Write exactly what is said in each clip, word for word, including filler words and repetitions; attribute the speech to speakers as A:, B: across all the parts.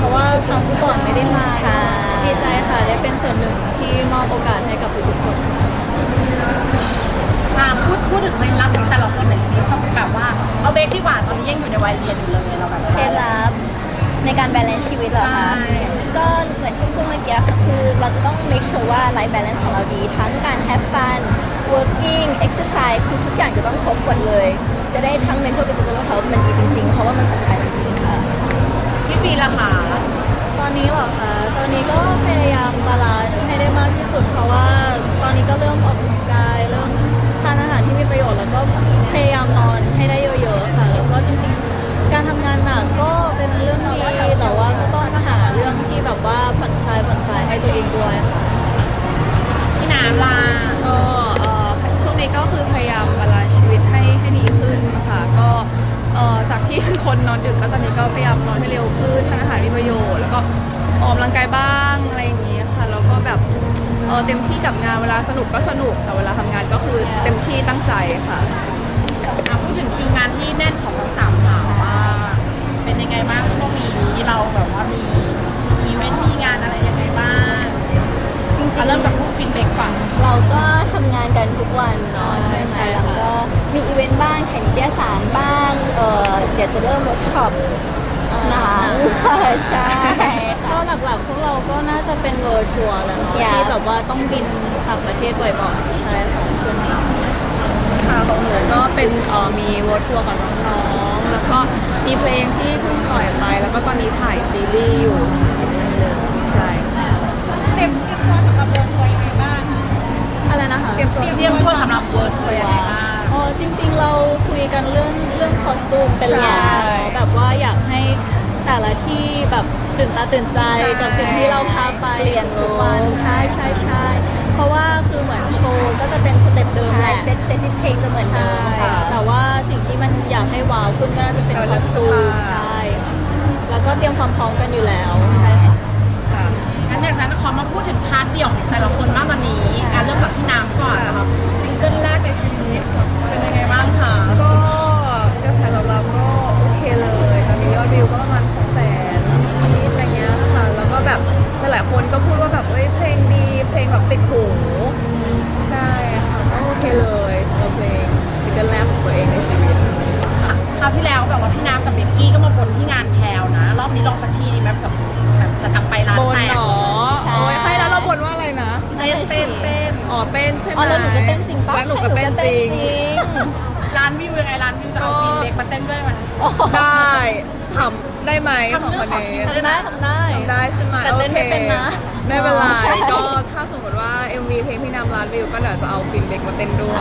A: ะว่าครั้งก่อนไม่ได้มา
B: ใช่
A: ดีใจค่ะได้เป็นส่วนหนึ่งที่มอบโอกาสให้กับทุกๆคนค่ะ
C: มาพูดพูดถึงเคล็ดลับของแต่ละคนหน่อยสิแบบว่าเอาเบคดีกว่าตอนนี้ยังอยู่ในวัยเรียนอยู่เลยเราแบบ
B: เคล็ดลับในการ balance ชีวิตเหรอคะ ก็เหมือนที่พูดเมื่อกี้ค่ะคือเราจะต้อง make sure ว่า life balance ของเราดี ทั้งการ have fun working exercise คือทุกอย่างจะต้องครบหมดเลย จะได้ทั้ง mental กับ physical health มันดีจริงๆ เพราะว่ามันสำคัญจริงๆค่ะ
C: พี่ฟีล่ะค่ะ
A: ตอนนี้เหรอคะตอนนี้ก็พยายามบาลานซ์ให้ได้มากที่สุดเพราะว่าตอนนี้ก็เริ่มออกกำลังกายเริ่มทานอาหารที่มีประโยชน์แล้วก็พยายามนอนให้ได้เยอะๆค่ะแล้วก็จริงๆการทำงานหนักก็เป็นเรื่องดีแต่ว่าก็ต้องหาเรื่องที่แบบว่าผ่อนคลายผ่อนคลายให้ตัวเองด้วยค่ะ
C: พี่น้ำล่ะ
D: ก็เอ่อช่วงนี้ก็คือพยายามบาลานซ์ชีวิตให้ให้ดีขึ้นนะคะก็เอ่อจากที่เป็นคนนอนดึกก็ตอนนี้ก็พยายามนอนให้เร็วขึ้นทานอาหารมีประโยชน์แล้วก็ออกกำลังกายบ้างอะไรอย่างนี้ค่ะแล้วก็แบบเอ่อเต็มที่กับงานเวลาสนุกก็สนุกแต่เวลาทำงานก็คือเต็มที่ตั้งใจค่ะ
C: อ่ะพูดถึงคิวงานที่แน่นของทั้งสามสาวว่าเป็นยังไงบ้างช่วงนี้เราแบบว่ามีอีเวนต์มีงานอะไรยังไงบ้างจริงๆเริ่มจากพูดฟีดแบ็กก่อน
B: เราก็ทำงานกันทุกวันเนาะใช่ไหมแล้วก็มีอีเวนต์บ้างแข่งนิตยสารบ้างเออเดี๋ยวจะเริ่มเวิร์กช็อปหนังใช่
A: ก็หลักๆพวกเราก็น่าจะเป็นเวิร์ทัวร์แหล้วเนาะ
B: Yeah
A: ที่แบบว่าต้องบินต่างประเทศบ่อยๆใช่ค่ะช่วงนี้
D: ค่ะของหนูก็เป็นเอ่อมีวอร์ทัวร์กับน้องๆแล้วก็มีเพลงที่เพิ่งปล่อยไปแล้วก็ตอนนี้ถ่ายซีรีส์อยู่ใช่
C: เตรียมตัวสำหรับเวิร์ทัวร์ยังไงบ้าง
A: อะไรนะคะ
D: เตรียมตัว
C: เตรียมตัวสำหรับเวิร์ทัวร์ยังไงบ้าง
A: อ๋อจริงๆเราคุยกันเรื่องเรื่องคอสตูมเป็นหลัก
B: ใช่
A: เนาะแบบว่าอยากให้แต่ละที่แบบตื่นตาตื่นใจกับสิ่งที่เราพาไป
B: เปลี่ยน
A: ทุกวันใช่ใช่ใช่เพราะว่าคือเหมือนโชว์ก็จะเป็นสเต็ปเดิมแห
B: ใช่
A: ละ
B: เซตเซตที่เพลงจะเหมือนเดิมค่ะ
A: แต่ว่าสิ่งที่มันอยากให้ว้าวขึ้นก็น่าจะเป็นคอสตูมใช่แล้วก็เตรียมความพร้อมกันอยู่แล้วใช่ค่ะ
D: ค่ะ
C: งั้นอย่างนั้นขอมาพูดถึงพาร์ทเดี่ยวของแต่ละคนบ้างตอนนี้อ่ะเริ่มจากพี่น้ำก่อนสำหรับซิงเกิลแรกในชีวิตเป็นยังไงบ้างคะ
D: ก็กระแสตอบรับก็โอเคเลยตอนนี้ยอดวิวก็ประมาณสองแสนนิดอะไรเงี้ยค่ะแล้วก็แบบหลายๆคนก็พูดว่าแบบเอ้ยเพลงดีเพลงแบบติดหูใช่ค่ะก็โอเคเลยสำหรับเพลงซิงเกิลแรกของตัวเองในชีวิต
C: คราวที่แล้วแบบว่าพี่น้ำกับเบกกี้ก็มาบนที่งานแพลวนะ รอบนี้ลองสักทีดีไหมกับแบบจะกลับไปร้าน
D: บน
C: แตก
D: หรอ
B: ใช่
D: โอ้ยใครแล้วเราบนว่าอะไรนะ
B: นั่นแหละสิ
D: อ๋อเต้นใช่ไหม
B: อ๋อแล้วหนูก็เต้นจริงปะ
D: แล้วหนูก็เต้นจริง
C: ร้านวิวยังไงร้านวิวจะเอาฟีนเบกมาเต้นด้วยมัน
D: ได้ทำได้ไหมสองคนนี้
A: ทำได้ทำได้
D: ได้ใช่ไหม
A: แต่เต้นไม่เป็นนะ
D: โอเคไม่เป็นไร
B: ใช่
D: ก็ถ้าสมมติว่า เอ็ม วี เพลงพี่นำร้านวิวก็เดี๋ยวจะเอาฟินเบกมาเต้นด้วย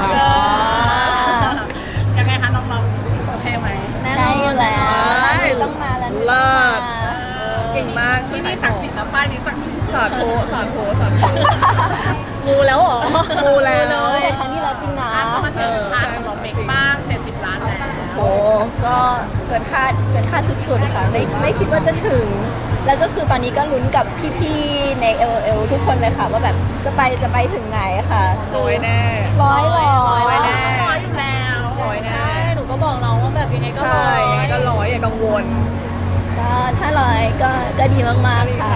C: ยังไงคะน้องๆโอเคไหม
A: แน่น
B: ได้
A: อ
B: อยู่
A: น
B: แล้ว
D: ได้
B: ต้องมาแล้ว
D: เลิศ เก่งมาก
C: ที่นี่ศักดิ์สิทธิ์นะป้ายนี้ศักดิ์สิทธิ์
D: สาธุสาธุสาธุ
A: มูแล้วเหรอ
D: มูแล้ว
A: เลย
B: แต่ครั้งที่แล้วจริงนะ
C: อ่ะก็มาถึงพาร์ทของน้องเบกบ้างเจ็ดสิบล้านแล้ว
B: โอ้ก็เกินคาดเกินคาดสุดๆค่ะไม่ไม่คิดว่าจะถึง แล้วก็คือตอนนี้ก็ลุ้นกับพี่ๆใน เอล เอล ทุกคนเลยค่ะ ว่าแบบจะไปจะไปถึงไหนค่ะ
D: ร้อยแน่
B: ร้อยร้อ
A: ร้อย
B: ย
A: แน่
C: ร้อยอยู่แล้ว
D: ร้อยแน่
A: ใช่หนูก็บอกน้องว่าแบบยังไงก็
D: ใช่
A: ร้อย
D: ยังไงก็ร้อยอย่ากังวล
B: ก็ถ้าร้อยก็ก็ดีมากๆค่ะ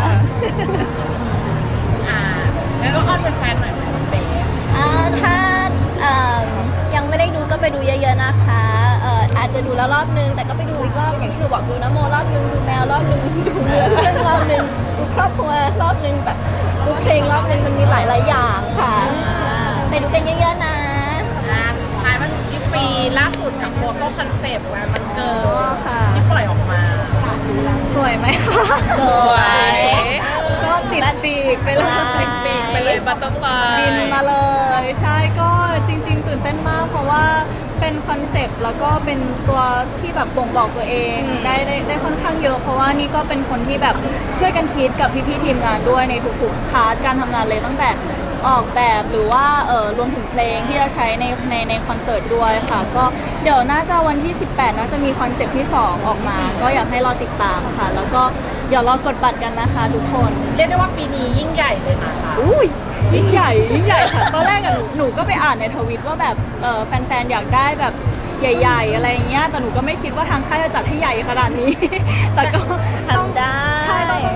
C: อ่างั้นก็อ้อนเป็นแฟนหน่อยไหมน้องเบก
B: อ่าถ้าเอิ่มยังไม่ได้ดูก็ไปดูเยอะๆนะคะเอ่ออาจจะดูแล้วรอบนึง แต่ก็ไปดูอีกรอบอย่างที่หนูบอกดูน้ำโมรอบนึงดูแมวรอบนึงดูเรือเรื่องรอบนึงดูครอบครัวรอบนึงแบบดูเพลงรอบนึงมันมีหลายๆอย่างค่ะ ไปดูกันเยอะๆนะ
C: อ่าสุดท้ายมาถึงที่ปีล่าสุดกับโฟโต้คอนเซปต์วันมันเกิด
A: ค่ะ
C: ที่ปล่อยออกมา
A: สวยไหมคะ
B: ส
D: ส
B: ว
D: วย ย
A: ก็ติดปีกไปเลย
D: ติดปีกไปเลยบัตเตอร์ไฟ
A: บินมาเลย ใช่ก็จริงๆตื่นเต้นมากเพราะว่าเป็นคอนเซปต์แล้วก็เป็นตัวที่แบบบ่งบอกตัวเองได้ได้ได้ค่อนข้างเยอะ เพราะว่านี่ก็เป็นคนที่แบบช่วยกันคิดกับพี่ๆทีมงานด้วยในทุกๆพาร์ทการทำงานเลยตั้งแต่ออกแบบหรือว่าเออรวมถึงเพลงที่จะใช้ในในในคอนเสิร์ตด้วยค่ะ ก็เดี๋ยวน่าจะวันที่ สิบแปดน่าจะมีคอนเซปต์ที่สองออกมา ก็อยากให้รอติดตามค่ะ แล้วก็เดี๋ยวรอกดบัตรกันนะคะทุกคน
C: เรียกได้ว่าปีนี้ยิ่งใหญ่เลยนะคะ
A: อุ้ยยิ่งใหญ่ยิ่งใหญ่ค่ะตอนแรกอะหนูหนูก็ไปอ่านในทวิตว่าแบบเออแฟนๆอยากได้แบบใหญ่ๆอะไรเงี้ยแต่หนูก็ไม่คิดว่าทางค่ายจะจัดให้ใหญ่ขนาดนี้ แต่ก็
B: ทำได้
A: ใช่ต้อง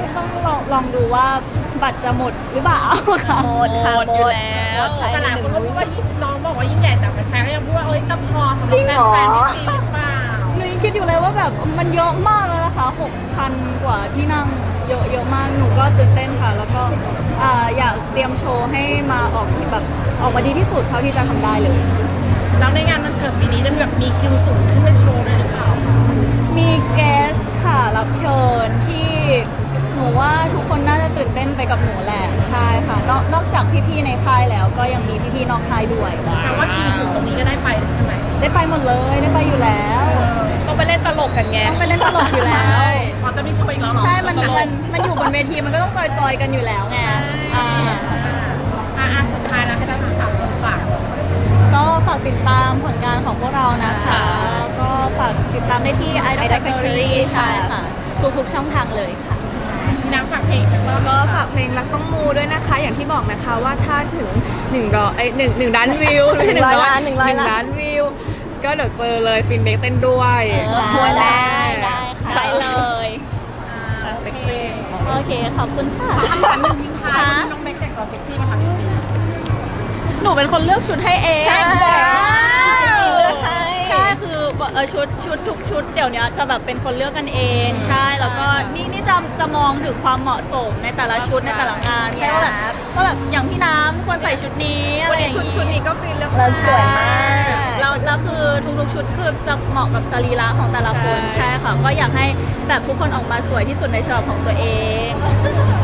A: องดูว่าบัตรจะหมดหรือเปล่าค่ะ
B: หมดค่ะ
D: หมดอยู่แล้ว
B: หมดภาย
C: แต่
B: ใน
C: หลาย
B: ห
C: ค
B: นึ่
C: น
B: ง
C: ก็พูดว่ายิ่งน้องบอกว่ายิ่งใหญ่แต่แฟนๆก็ยังพูดว่าเอ้ยจะพอสำหรับแฟนๆที่จีนหรือเปล่า
A: หนูยังคิดอยู่เลยว่าแบบมันเยอะมากแล้วนะคะหกพันกว่าที่นั่งเยอะเยอะมากหนูก็ตื่นเต้นค่ะ แล้วก็อ่าอยากเตรียมโชว์ให้มาออกแบบออกมาดีที่สุดเท่าที่จะทำได้เลย
C: แล้วในงานมันเกิดปีนี้จะมีแบบมีคิวสูงขึ้นไปโชว์เลยหรือเปล่าคะ
A: มีแกสค่ะรับเชิญที่หนูว่าทุกคนน่าจะตื่นเต้นไปกับหนูแหละใช่ค่ะนอกนอกจากพี่ๆในค่ายแล้วก็ยังมีพี่ๆนอกค่ายด้วย
C: แปลว่าคิวสูงตรงนี้ก็ได้ไปใช่ไหม
A: ได้ไปหมดเลยได้ไปอยู่แล้ว
D: ต้องไปเล่นตลกกันไง
A: ต้องไปเล่นตลกอยู่แล้ว
C: อ๋อจะมีโชว์อีกแล้วเหรอ
A: ใช่มันมันมันอยู่บนเวทีมันก็ต้องจอยๆกันอยู่แล้วไงอ่า
C: อ่าอ่าสุดท้ายแล้วให้ทั้งสามคนฝาก
A: ก็ฝากติดตามผลงานของพวกเรานะคะ ก็ฝากติดตามได้ที่ Idol
B: Idol
A: Factory
B: Factory
A: ใช่ค่ะ ทุกๆช่องทางเลยค่ะ
C: พี่น้ำฝากเพลงสักรอบ
D: ก็ฝากเพลงรักต้องมูด้วยนะคะ อย่างที่บอกนะคะว่าถ้าถึงหนึ่งร้อยไอ้หนึ่งหนึ่งล้านวิวไม่ใช่หนึ่งร้อย
B: หนึ่งร้อยล้าน
D: ล้านวิว ก็เดี๋ยวเจอเลยฟินเบกเต้นด้วย
B: เออ
D: หัวแน่
B: ได้ได้ค่ะ
A: ได้เลย
C: โอเค
A: โอเค ขอบคุณค่ะ
C: คำถามหนึ่งทิ้งท้ายว่าน้องเบคแต่งตัวเซ็กซี่มาทำจริง
A: หนูเป็นคนเลือกชุดให้เอง
B: ใช่เลือกให้
A: ใช่คือเออชุดชุดทุกชุดเดี๋ยวนี้จะแบบเป็นคนเลือกกันเอง ใช่แล้วก็นี่นี่จะจะมองถึงความเหมาะสมในแต่ละชุดในแต่ละงานใช่ว่าแบบว่าแบบอย่างพี่น้ำควรใส่ชุดนี้อะไรอย่าง
D: ชุด
A: นี้
D: ชุดนี้ก็ฟินเลือก
B: เราสวยมาก
A: แล้วแล้วคือทุกๆชุดคือจะเหมาะกับสรีระของแต่ละคน
D: ใช่
A: ใช่ค่ะ ก็อยากให้แบบทุกคนออกมาสวยที่สุดในฉบับของตัวเอง